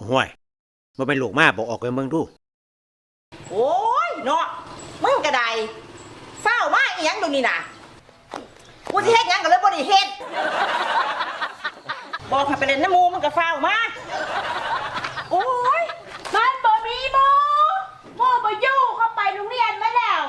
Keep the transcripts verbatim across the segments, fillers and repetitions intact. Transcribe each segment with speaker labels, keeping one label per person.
Speaker 1: ห้วยบ่เป็นลูกมาบอกออกไปเมืองดู
Speaker 2: โอ้ยเนาะมึงกระไดเฝ้ามาอีหยังดูนี่น่ะกูสิเฮ็ดหยังก็เลยบ่ได้เฮ็ดบอกให้ไปเล่นน้ำมูมันก็เฝ้ามาโอ้ย
Speaker 3: มันบ่มีโมโมบ่อยู่เขาไปโรงเรียนมาแล้ว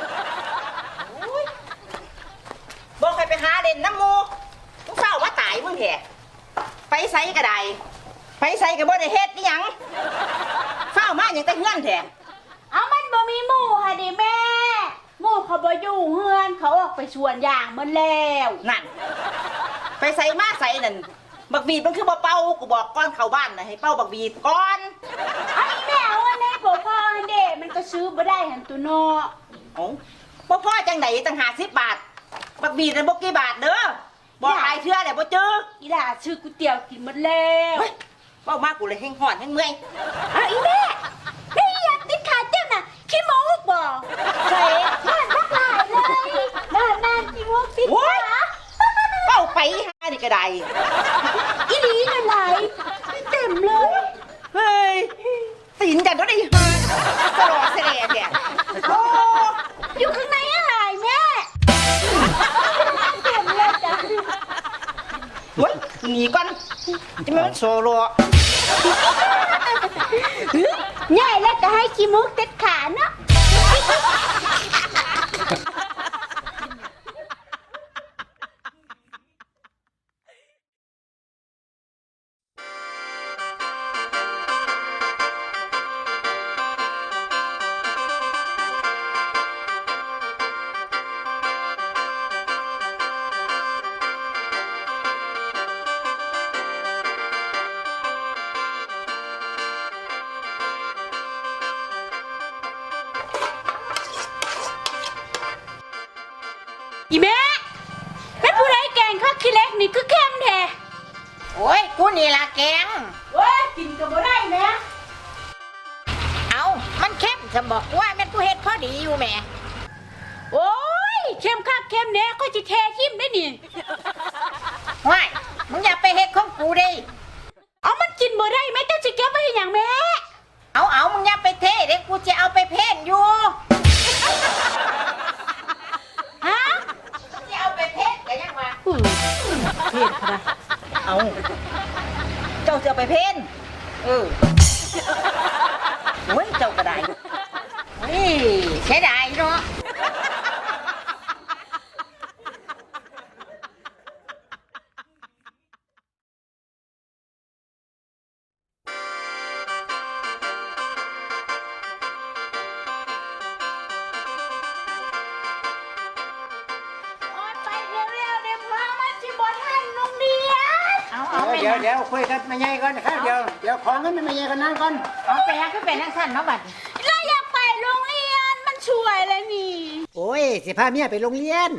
Speaker 2: บอกให้ไปหาเล่นน้ำมูมึงเฝ้ามาตายมึงแท้ไปไสกระไดไปไสก็บ่ได้เฮ็ดอีหยังเฝ้ามาหยังแต่เฮือนแท้
Speaker 3: เอามันบ่มีหมู่ค่ะดิแม่หมู่เขาบ่อยู่เฮือนเขาออกไปสวนยางมันแล้ว
Speaker 2: นั่นไปใส่มาใส่นั่นบักบีดมันคือบ่เป่ากูบอกก่อนเข้าบ้านนะให้เป่าบักบีดก่อน
Speaker 3: ไอ้แม่เอาอันนี้บ่พอเด้มันก็ซื้อบ่ได้หันตัวเนาะ
Speaker 2: เอ้าบ่พอจังไดตั้งห้าสิบบาทบักบีดนั่นบ่กี่บาทเด้อบอกหลายเทื่อแล้วบ่เจอ
Speaker 3: อีหล่าซื้อก๋วยเตี๋ยวกินหมดแล้ว
Speaker 2: เว้ามากูเลยแห้งฮ้อนแห้งเมื่อย
Speaker 3: เอาอีแม่แม่อยากติดขาเจ้าน่ะขี้โม้บ่ใส่บ้านบักหลายเลยบ้านนั่นขี้โม้ติดขา
Speaker 2: เป้าไปหานี่ก็ได้
Speaker 3: อีหลีนั่นไหลเต็มเลย
Speaker 2: เฮ้ยตีนกันก็ได้ฮะสลอเสลแท้โอ้
Speaker 3: อยู่ข้างในอะไรแม่เต็มเลยจ้ะ
Speaker 2: เฮ้ยหนีก่อนจะไม่มันโซโล
Speaker 3: ใหญ่แล้วก็ให้ขี้มุกติดขาเนาะอีแม่แม่ผู้ใดแกงข้าวขี้เล็กนี่คือเข้มแท้
Speaker 2: โอ้ยกูนี่ล่ะแกง
Speaker 3: โอ้ยกินก็บ่ได้แม่
Speaker 2: เอามันเข้มจะบอกว่าแม่กูเฮ็ดพอดีอยู่แม่
Speaker 3: โอ้ยเข้มคักเข้มแน่ก็สิแท้ทิ่มได้นี่
Speaker 2: ว้ายมึงอย่าไปเฮ็ดของกูดิ
Speaker 3: เอามันกินบ่ได้แม่เจ้าสิเก็บไว้ให้หยังแม่
Speaker 2: เอาเอามึงอย่าไปเทเด้กูจะเอาไปเพ่นอยู่
Speaker 3: ฮะ
Speaker 2: จะเอาไปเพ่นก็ยังว่า
Speaker 3: เพ่นค่ะ
Speaker 2: เอาเจ้าจะไปเพ่นเออโอ้ยเจ้าก็ได้เฮ้ยเสียดายเนาะ
Speaker 1: เดี๋ยวเดี๋ยวคุยกันมาใหญ่ก่อนนะครับเดี๋ยวเดี๋ยวของกันมาใหญ่กันนั่งก่อน
Speaker 2: เอาไปฮะคือเป็นนักสั้นเนาะบัด
Speaker 3: เราอยากไปโรงเรียนมันช่วยเลยนี่
Speaker 1: โอ้ยสิพาเมียไปโรงเรียน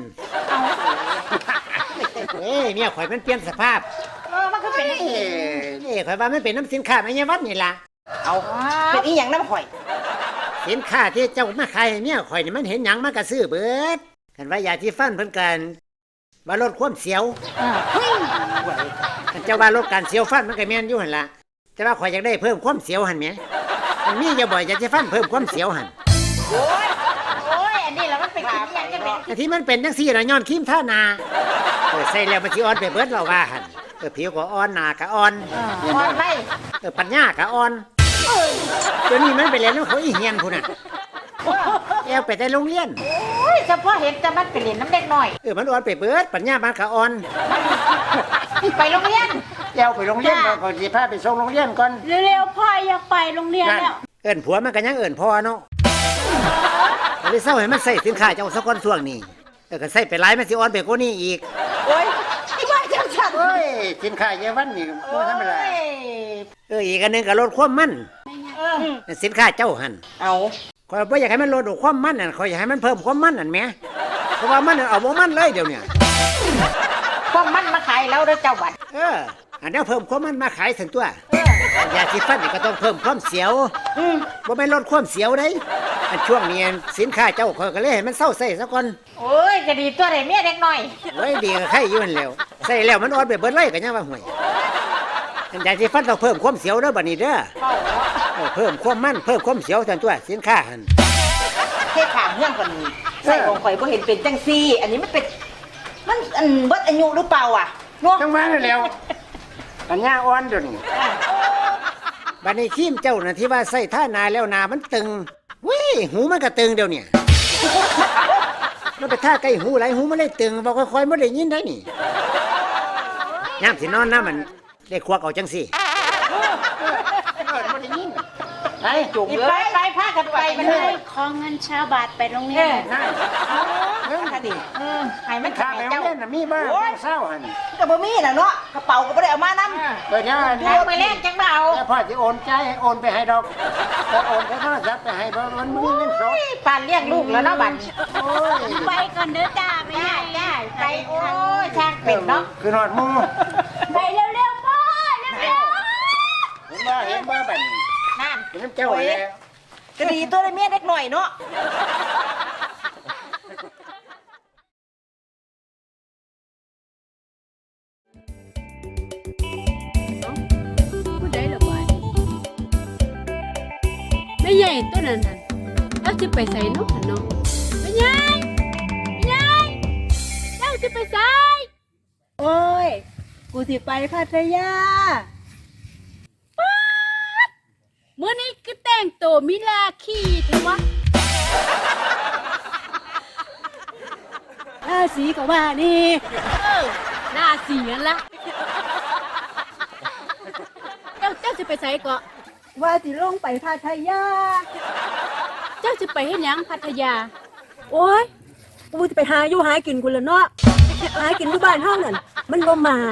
Speaker 1: เอ้ยเมียข่อยมันเปลี่ยนสภาพ
Speaker 2: เออมันก็เป็นอย่างนี้
Speaker 1: นี่ข่อยว่ามันเป็นน้ำสินค้าไม่ใช่วัดนี่ล่ะ
Speaker 2: เอาเป็นอีหยังน้ำข่อย
Speaker 1: สินค้าที่เจ้ามาขายเมียข่อยนี่มันเห็นหยังมันก็ซื้อเบิดกันว่ายาที่ฟันเพิ่นกันว่าลดความเสียวเจ้าว่าลดการเสียวฟันมันก็แม่นอยู่หั่นล่ะแต่ว่าข่อยอยากได้เพิ่มความเสียวหั่นแหมอันนี้อย่าบ่อยอยากจะฟันเพิ่มความเสียวหั่น
Speaker 2: โอ้ยโอ้ยอันนี้แล้วมันเป็นขี้ยังจะเป็น
Speaker 1: ที่มันเป็นจังซี่ล่ะย้อนครีมทาหน้าเออใส่แล้วมันสิอ่อนไปเบิดเราว่าหั่นเออผิวก็อ่อนหน้าก็อ่อน
Speaker 2: อ่อนไป
Speaker 1: เออปัญญาก็อ่อนเดี๋ยวนี้มันไปเรียนแล้วเขาอีเฮียนพุ่นน่ะแอวไปแต่โรงเรียน
Speaker 2: โอ้ยเฉพาะเห็นจะมันไปเรียนน้ำเด็กหน่อย
Speaker 1: เออมันอ่อนไปเบิดปัญญามันก็อ่อน
Speaker 2: ไปโรงเรียน
Speaker 1: แอวไปโรงเรียนก่อนสิพาไปส่งโรงเรียนก่อน
Speaker 3: เร็วๆพ่ออยากไปโรงเรียนแล้ว
Speaker 1: เอิ้นผัวมันก็ยังเอิ้นพ่อเนาะเลยเศร้าให้มันใส่สินค้าเจ้าสักคนช่วงนี้เออก็ใส่ไปหลายมันสิอ่อนไปกว่านี้อีก
Speaker 2: โอ้ยว่าจังซั่น
Speaker 1: โอ้ยสินค้าเยาวันนี่บ่ธรรมดาเอออีกอันนึงก็ลดความมัน
Speaker 2: เออ
Speaker 1: สินค้าเจ้าหั่น
Speaker 2: เอา
Speaker 1: ข่อยบ่อยากให้มันลดความมันนั่นข่อยอยากให้มันเพิ่มความมันนั่นแหมเพราะว่ามันเอาบ่มันเลยเดี๋ยวนี้
Speaker 2: พวกมันมาขายแล้วเด้อเจ้าบัด
Speaker 1: เอออันนี้เพิ่มความมันมาขายถึงตัวยาสีฟันนี่ก็ต้องเพิ่มความเสียวบ่แม่นลดความเสียวเด้อันช่วงนี้สินค้าเจ้าข่อยก็เลยให้มันเซาใส่ซะก่อน
Speaker 2: โอ้ยจะดีตัวได้เมียเด็กน้อย
Speaker 1: โอ้ยดีก็ใครอยู่นั่นแล้วใส่แล้วมันอ่อนไปเบิดเลยก็ยังว่าห่วยอันยาสีฟันต้องเพิ่มความเสียวเด้อบัดนี้เด้อเออเพิ่มความมันเพิ่มความเสียวซั่นตัวสินค้าหั่น
Speaker 2: เทศขางเรื่องกว่านี้ใส่ของข่อยบ่เห็นเป็นจังซี่ อันนี้มันเป็นมันอันเบิดอายุหรือเปล่าอ่ะเนาะ
Speaker 1: จังหวะนั่นแหล้วปัญญาอ่อนเดี๋ยวนี้บัดนี้ครีมเจ้าน่ะที่ว่าใส่ท่านาแล้วนามันตึงวิหูมันก็ตึงเดี๋ยวนี้มันไปท่าใกล้หูไหลหูมันเลยตึงบ่ค่อยๆบ่ได้ยินได้นี่ยามสินอนนะมันได้ควักเอาจังซี่บ่ได้ยินไปจุก
Speaker 2: นี่
Speaker 1: เล
Speaker 2: ไป
Speaker 1: ย
Speaker 2: ไปพากันไปมันเลย
Speaker 3: ขอเงินชาวบาทไปโรงเรี
Speaker 2: เอย
Speaker 3: น
Speaker 2: อนั่นเรื่องค่ะดิเออให้มัน
Speaker 1: ข้า
Speaker 2: ขาย
Speaker 1: ไปโร
Speaker 2: เจ้าง
Speaker 1: เรียนน่ะมีบ้างเศร้าหั่น
Speaker 2: ก็บ่มีน่ะเนาะกระเป๋าก็บ่ได้เอามานำ
Speaker 1: เปิดเนี่ย
Speaker 2: เดี๋ยวไปเล่นจังเรา
Speaker 1: แล้วพ่อจะโอนใจให้โอนไปให้ดอกจะโอนไปโทรศัพท์ไปให้บ่มันมีเงินสด
Speaker 2: ปานเลี้ยงลูกแล้วเนาะบัด
Speaker 1: โอ้ย
Speaker 3: ไปก่อนเด้อจ้าไม่
Speaker 2: จ้า
Speaker 3: ได้
Speaker 2: จ้าไปโอ้ยช่างเป็นเนาะ
Speaker 1: คือหอดหมู
Speaker 3: ไปเร็วๆพ่อเร็ว
Speaker 1: เห็นบ่เห็นบ่บัดนี้
Speaker 2: นั่น
Speaker 1: เป็นน้ำเจ้าแล้ว
Speaker 2: ก็ดีตัวได้เมียเด็กหน่อยเนาะ
Speaker 4: ผู้ใดละบาดแม่ใหญ่ตัวนั้นน่ะเราจะไปใส่นกหันเนาะแม่ใหญ่แม่ใหญ่เจ้าจะไปใส่
Speaker 5: โอ้ย กูสิไปพัทยา
Speaker 4: เมื่อนี้ก็แต่งตัวมิลาคีเถอะวะ
Speaker 5: ราศีก็ว่านี่
Speaker 4: เออหน้าเสียละเจ้าเจ้าจะไปใส่เกาะ
Speaker 5: ว่าสิลงไปพัทยา
Speaker 4: เจ้าจะไปเฮ็ดหยังพัทยา
Speaker 5: โอ้ย กูจะไปหาอยู่หากินกูละเนาะ หากินที่บ้านเฮานั่น มันบ่หมาน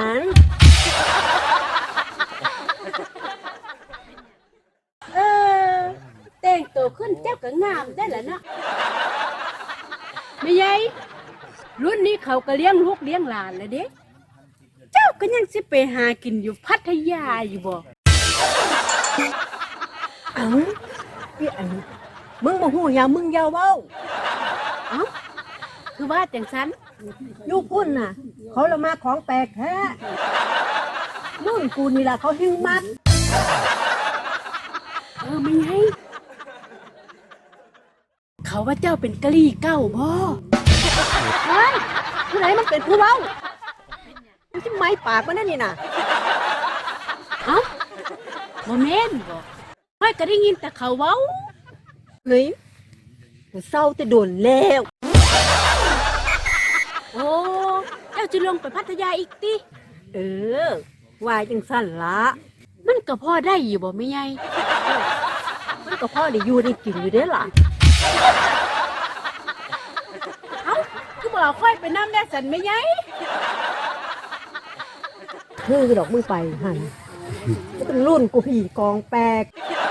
Speaker 4: เออแต่งตัวขึ้นเจ้าก็งามได้ละเนาะไม่ใหญ่รุ่นนี้เขาก็เลี้ยงลูกเลี้ยงหลานแล้วเด้เจ้าก็ยังสิไปหากินอยู่พัทยาอยู่บ่
Speaker 5: เอ้าพี่อันนี้มึงบ่ฮู้หยังมึงอย่าเว้า
Speaker 4: เอ้าคือว่าจังสัน
Speaker 5: ลูกพุ่นน่ะ เขาละมาของแปลกแท้รุ่นกูนี่ล่ะเขาหิ้งมัด
Speaker 4: เออไม่ไงเขาว่าเจ้าเป็นกะลี่เก้าบ่
Speaker 5: เฮ้ยผู้ไหนมันเป็นผู้เว้ามึงสิไม้ปากมันนั่นนี่น่ะ
Speaker 4: เอ้าบ่แม่นบ่ค่อยก็ได้ยินแต่เขาเว้า
Speaker 5: เฮ้ยกูเศร้าแต่โดนแล้ว
Speaker 4: โอ้เจ้าจะลงไปพัทยาอีกติ
Speaker 5: เออว่าจังสั่นละ
Speaker 4: มันก็พอได้อยู่บ่ไม่ไง
Speaker 5: มันก็พ่อได้อยู่ได้กินอยู่เด้อล่ะ
Speaker 4: เอ้าคือบ่ค่อยไปนำได้สันไม่ไง
Speaker 5: คือดอกมึงไปหันก็เป็นรุ่นกูผีกองแปลก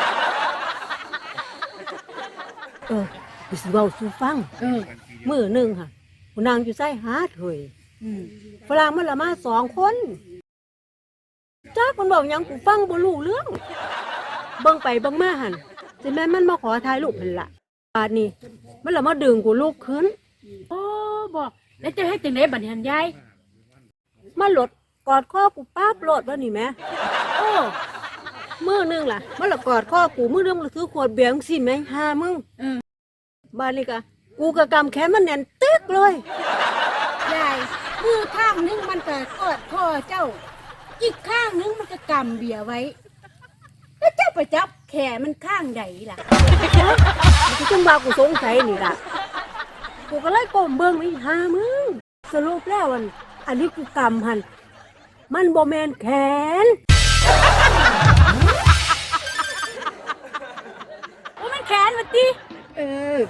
Speaker 5: เออกูสิเว้าสู่ฟัง
Speaker 4: เออ
Speaker 5: มื้อหนึงค่ะกูนั่งอยู่ใส่หาดเฮ้ย
Speaker 4: อืม
Speaker 5: ฝรั่งมันละมาสองคนจักมันบอกหยังกูฟังบ่รู้เรื่อง เบิ่งไปเบิ่งมาหั่นสิแม่นมันมาขอถ่ายรูปหั่นล่ะบาดนี้ มันละมาดึงกูลุกขึ้น
Speaker 4: โอ้บ่แล้วจะเฮ็ดจังไดบัดนี้หั่นยาย
Speaker 5: มาหลดกอดคอกูป๊าบโลดว่านี่แหม่
Speaker 4: โอ้
Speaker 5: มือหนึงล่ะ มันละกอดคอกูมือหนึงมันถือขวดเบียร์จังซี่แหม่หามึง
Speaker 4: เออ
Speaker 5: บ้านนี้กะกูกะกำแขนมันแน่นตึกเลย
Speaker 4: ยายมือข้างนึงมันก็กอดคอเจ้า อีกข้างนึงมันก็กำเบียร์ไว้ แล้วเจ้าไปจับแขนมันข้างใดล่ะ
Speaker 5: กูจึงว่ากูสงสัยนี่ล่ะกูก็เลยก้มเบิ่งนี่หามึงสรุปแล้วอันอันนี้กูกำหันมันบ่แม่นแขน
Speaker 4: ว่ามันแขนมันติ
Speaker 5: เออ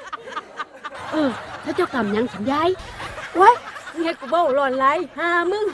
Speaker 4: เออแล้วเจ้ากำหยังสัญญาย
Speaker 5: ไว้มึงให้กูเบ้าร้อนไหลหามึง